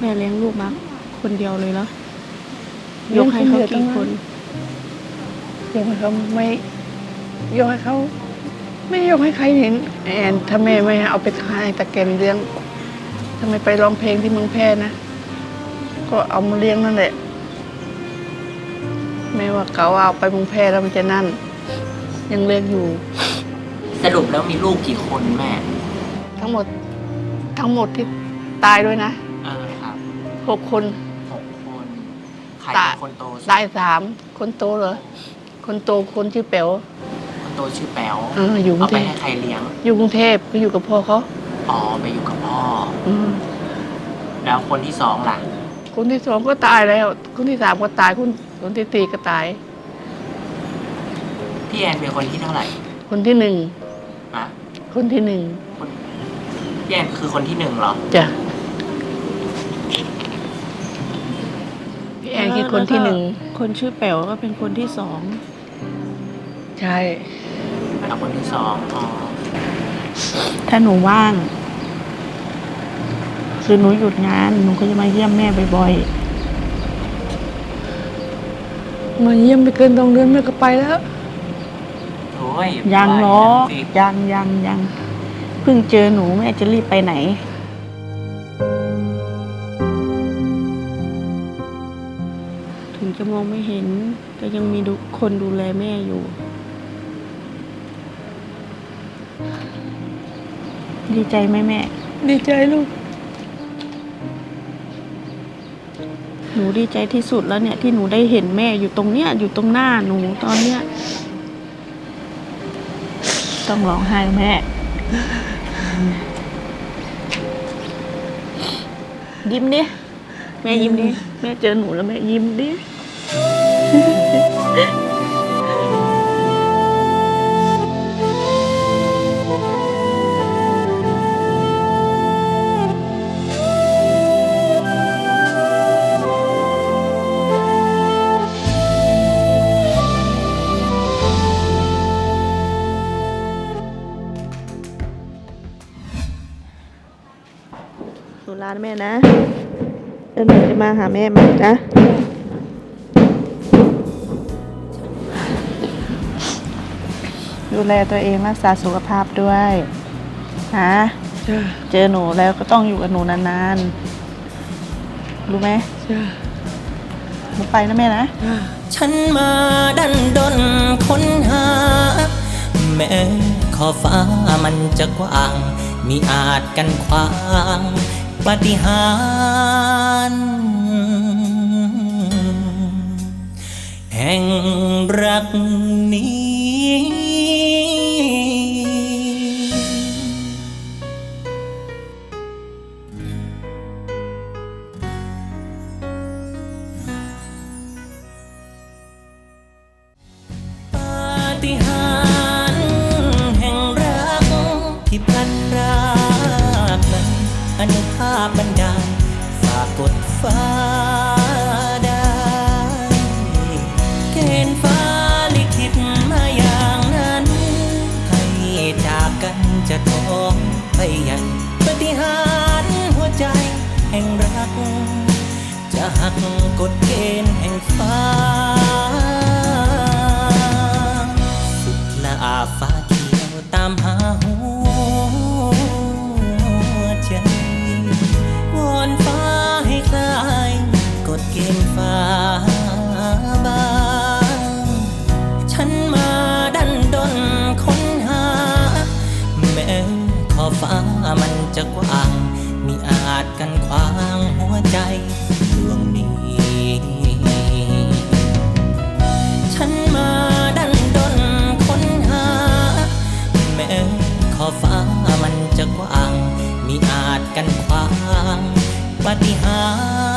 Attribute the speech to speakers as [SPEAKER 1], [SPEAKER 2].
[SPEAKER 1] ม่เลี้ยงลูกมาคนเดียวเลยเหรอ ยกให้เขากี่คน
[SPEAKER 2] ยกให้เขาไม่ยกให้เขาไม่ยกให้ใครเห็นแอนถ้าแม่ไม่เอาไปขายตะแกรงเลี้ยงทำไมไปร้องเพลงที่เมืองแพร่นะก็เอามาเลี้ยงนั่นแหละแม่ว่าเขาเอาไปเมืองแพร่แล้วมันจะนั่นยังเลี้ยงอยู่
[SPEAKER 3] สรุปแล้วมีลูกกี่คนแม่
[SPEAKER 2] ทั้งหมดที่ตายด้วยนะ
[SPEAKER 3] ครับ
[SPEAKER 2] 6 คน
[SPEAKER 3] คนใครเป็นคนโต
[SPEAKER 2] ตาย3คนโตเหรอคนโตคนชื่อแป๋ว
[SPEAKER 3] คนโตชื่อแป๋ว
[SPEAKER 2] อยู่
[SPEAKER 3] เอาไปให้ใครเลี้ยง
[SPEAKER 2] อยู่กรุงเทพก็อยู่กับพ่อเขา
[SPEAKER 3] ไปอยู่กับพ่อแล้วคนที่2ล่ะ
[SPEAKER 2] คนที่2ก็ตายแล้วคนที่3ก็ตายคนที่4ก็ตาย
[SPEAKER 3] พี่แอนเป็นคนที่เท่าไหร่
[SPEAKER 2] คนที่1คนที่1
[SPEAKER 3] พี่แอนคือคนที่1เหรอ
[SPEAKER 2] จ้ะพี่แอนคือคนที่1
[SPEAKER 1] คนชื่อแป๋วก็เป็นคนที่2
[SPEAKER 2] ใช่
[SPEAKER 3] แล้วคนที่2
[SPEAKER 1] ถ้าหนูว่างคือหนูหยุดงานหนูก็จะมาเยี่ยมแม่บ่อย
[SPEAKER 2] ๆมาเยี่ยมไปเกิน2 เดือนแม่ก็ไปแล้ว
[SPEAKER 3] โอ้ย
[SPEAKER 1] ยังเนาะยังเพิ่งเจอหนูแม่จะรีบไปไหนถึงจะมองไม่เห็นก็ยังมีคนดูแลแม่อยู่ดีใจไหมแม่
[SPEAKER 2] ดีใจลูก
[SPEAKER 1] หนูดีใจที่สุดแล้วเนี่ยที่หนูได้เห็นแม่อยู่ตรงเนี้ยอยู่ตรงหน้าหนูตอนเนี้ยต้องร้องไห้แม่ยิ้มดิแม่ยิ้มดิแม่เจอหนูแล้วแม่ยิ้มดิหนูลาแม่นะเดี๋ยวหนูจะมาหาแม่ใหม่นะดูแลตัวเองรักษาสุขภาพด้วยนะเจอหนูแล้วก็ต้องอยู่กับหนูนานๆรู้ไหมหนูไปนะแม่นะ
[SPEAKER 3] ฉันมาดันดนค้นหาแม้ขอบฟ้ามันจะกว้างมิอาจกันขวางปาฏิหาริย์แห่งรักนี้ปาฏิหาริย์แห่งรักที่พลันรากนั้นอนุภาพบันดาลฝากกดฟ้าได้เกณฑ์ฟ้าลิขิตมาอย่างนั้นให้จากกันจะท้องไปใหญ่ปาฏิหาริย์หัวใจแห่งรักจะหักกฎเกณฑ์แห่งฟ้าสุดละอาฟ้าเขียวตามหาหัวใจวอนฟ้าให้คลายกฎเกณฑ์ฟ้าบางฉันมาดันดนค้นหาแม้ขอบฟ้ามันจะกว้างมิอาจกันขวางหัวใจดวงนี้ฉันมาดันดนค้นหาแม้ขอบฟ้ามันจะกว้างมิอาจกันขวางปาฏิหาริย์